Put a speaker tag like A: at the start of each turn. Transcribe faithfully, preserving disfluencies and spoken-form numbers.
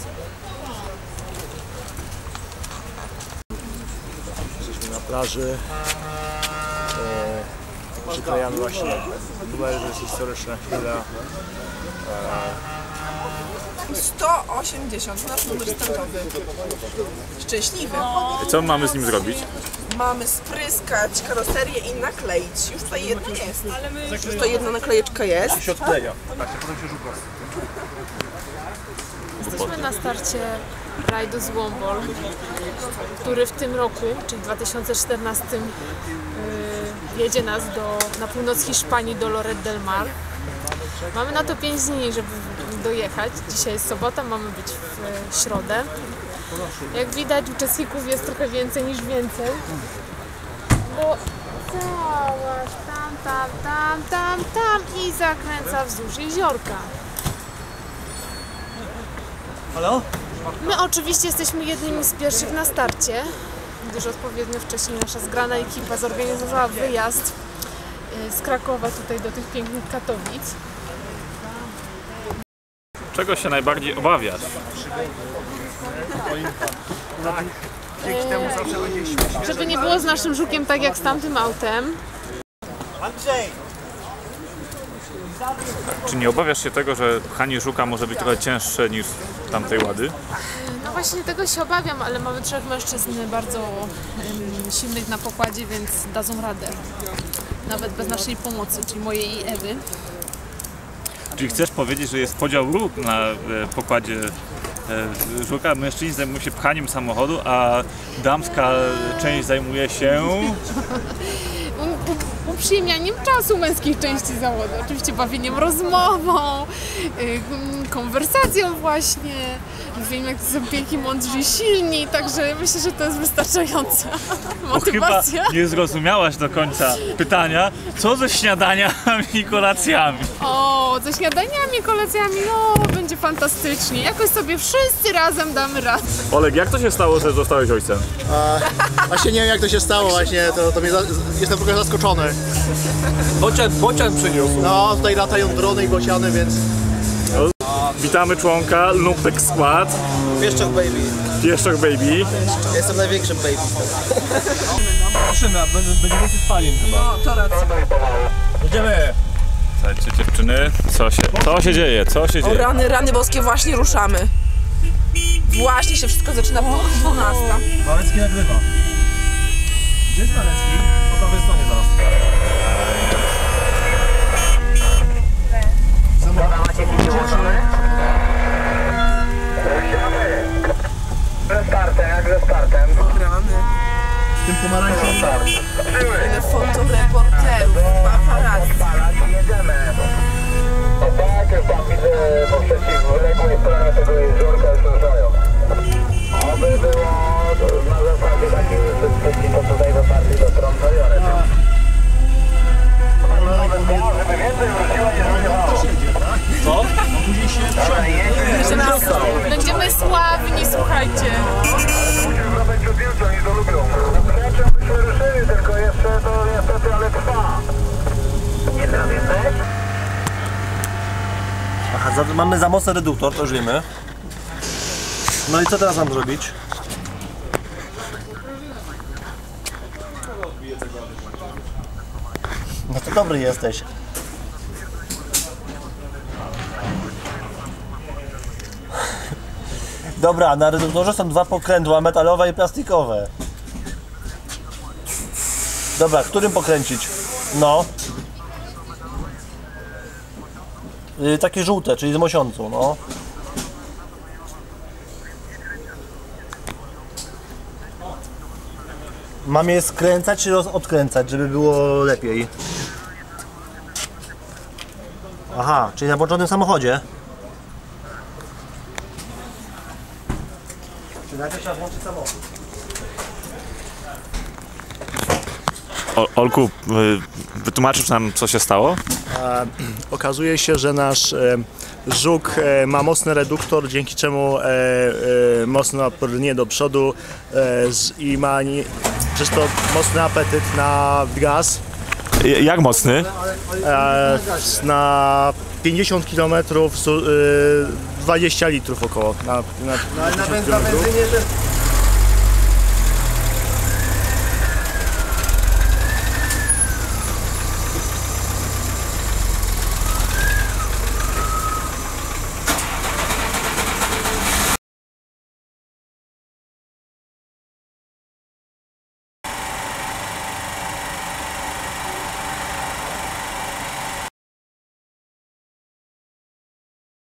A: Jesteśmy na plaży. E, przyklejamy właśnie numery, to jest historyczna chwila. E,
B: sto osiemdziesiąt, nasz numer startowy. Szczęśliwy.
C: Co mamy z nim zrobić?
B: Mamy spryskać karoserię i nakleić. Już tutaj jedna jest. Już tutaj jedna naklejeczka jest.
A: się odkleja. Tak, potem się rzuca.
D: Jesteśmy na starcie rajdu z Wombol, który w tym roku, czyli w dwa tysiące czternastym, yy, jedzie nas do, na północ Hiszpanii do Lloret del Mar. Mamy na to pięć dni, żeby dojechać. Dzisiaj jest sobota, mamy być w środę. Jak widać, uczestników jest trochę więcej niż więcej, bo całaś tam, tam, tam, tam, tam i zakręca wzdłuż jeziorka.
A: Halo?
D: My oczywiście jesteśmy jednymi z pierwszych na starcie, gdyż odpowiednio wcześniej nasza zgrana ekipa zorganizowała wyjazd z Krakowa tutaj do tych pięknych Katowic.
C: Czego się najbardziej obawiasz?
D: Eee, żeby nie było z naszym Żukiem tak jak z tamtym autem.
C: Czy nie obawiasz się tego, że pchanie Żuka może być trochę cięższe niż tamtej Łady?
D: No właśnie tego się obawiam, ale mamy trzech mężczyzn bardzo um, silnych na pokładzie, więc dadzą radę. Nawet bez naszej pomocy, czyli mojej i Ewy.
C: Czyli chcesz powiedzieć, że jest podział ról na e, pokładzie e, Żuka? Mężczyźni zajmują się pchaniem samochodu, a damska część zajmuje się...
D: Uprzyjemnianiem czasu męskiej części zawodu. Oczywiście bawieniem rozmową, yy, konwersacją właśnie. Wiem, jak to są piękni, mądrzy i silni, także myślę, że to jest wystarczająca motywacja.
C: Chyba nie zrozumiałaś do końca pytania, co ze śniadaniami i kolacjami?
D: O, ze śniadaniami i kolacjami, no będzie fantastycznie. Jakoś sobie wszyscy razem damy radę.
C: Olek, jak to się stało, że zostałeś ojcem?
A: A, właśnie nie wiem, jak to się stało, właśnie to, to mnie za, jestem trochę zaskoczony.
E: Bocian, bocian przyniósł.
A: No, tutaj latają drony i bociany, więc...
C: Witamy członka Lumpek Squad.
E: Pieszczok baby.
C: Pieszczok baby.
E: Jestem największym baby. Zobaczymy, a będzie więcej spalin chyba.
B: No, to racja.
C: Jedziemy! Słuchajcie dziewczyny, co się, co się dzieje? Co się
B: O
C: dzieje?
B: rany, rany boskie, właśnie ruszamy. Właśnie się wszystko zaczyna po dwunastej.
E: Malecki nagrywa. Gdzie jest Malecki? Po prawej stronie zaraz.
F: Macie picie włączone? Ruszamy! Ze startem, jak ze startem.
B: O rany.
A: Tym pomarańczowym.
B: Ile fotoreporterów, paparazzi.
F: Jedziemy. No tak, już tam widzę po przeciwległej stronie tego jeziorka już ruszają. Oby było na zasadzie takiej wszystkich, to tutaj dotarli do Trądzajory. Żeby więcej wróciła, nie żartowało.
C: Co?
D: Będziemy, będziemy sławni, słuchajcie.
F: Musimy wracać przed Wilcą, oni to lubią. Raczej byśmy ruszyli, tylko jeszcze to niestety, ale trwa. Nie teraz jesteś?
E: Aha, za, mamy za mocny reduktor, to już wiemy. No i co teraz mam zrobić? No to dobry jesteś. Dobra, na reduktorze są dwa pokrętła, metalowe i plastikowe. Dobra, którym pokręcić? No. Yy, takie żółte, czyli z mosiącą, no. Mam je skręcać czy odkręcać, żeby było lepiej? Aha, czyli na włączonym samochodzie. Czy najpierw trzeba włączyć samochód?
C: O, Olku, wytłumaczysz nam, co się stało?
A: E, okazuje się, że nasz e, Żuk e, ma mocny reduktor, dzięki czemu e, e, mocno brnie do przodu e, z, i ma nie, przez to mocny apetyt na gaz.
C: Jak mocny?
A: E, na pięćdziesiąt kilometrów z, e, dwadzieścia litrów około. Na, na,
E: No ale na,
A: tysiąc
E: benz- na
A: kilometrów.
E: benzynie też